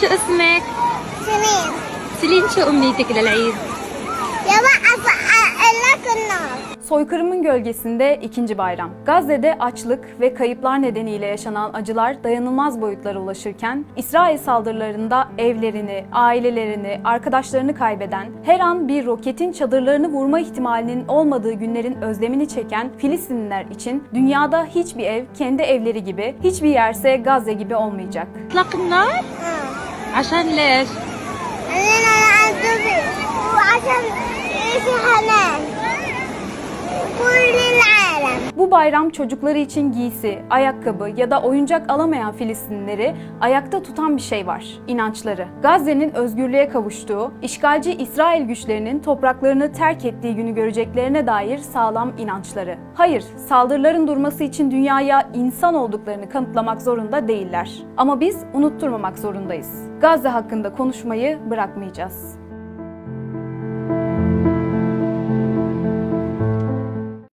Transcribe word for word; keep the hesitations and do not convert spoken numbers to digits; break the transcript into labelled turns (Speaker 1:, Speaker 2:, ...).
Speaker 1: شو اسمك؟
Speaker 2: سنين.
Speaker 1: سيلين شو أمنيتك للعيد؟
Speaker 2: يا بقى لك النار.
Speaker 3: Soykırımın gölgesinde ikinci bayram. Gazze'de açlık ve kayıplar nedeniyle yaşanan acılar dayanılmaz boyutlara ulaşırken, İsrail saldırılarında evlerini, ailelerini, arkadaşlarını kaybeden, her an bir roketin çadırlarını vurma ihtimalinin olmadığı günlerin özlemini çeken Filistinliler için dünyada hiçbir ev kendi evleri gibi, hiçbir yerse Gazze gibi olmayacak.
Speaker 1: إطلاق النار؟ عشان ليش؟
Speaker 2: أنا أعذبي وعشان إيش حنان كل العالم.
Speaker 3: Bu bayram çocukları için giysi, ayakkabı ya da oyuncak alamayan Filistinlileri ayakta tutan bir şey var, inançları. Gazze'nin özgürlüğe kavuştuğu, işgalci İsrail güçlerinin topraklarını terk ettiği günü göreceklerine dair sağlam inançları. Hayır, saldırıların durması için dünyaya insan olduklarını kanıtlamak zorunda değiller. Ama biz unutturmamak zorundayız. Gazze hakkında konuşmayı bırakmayacağız.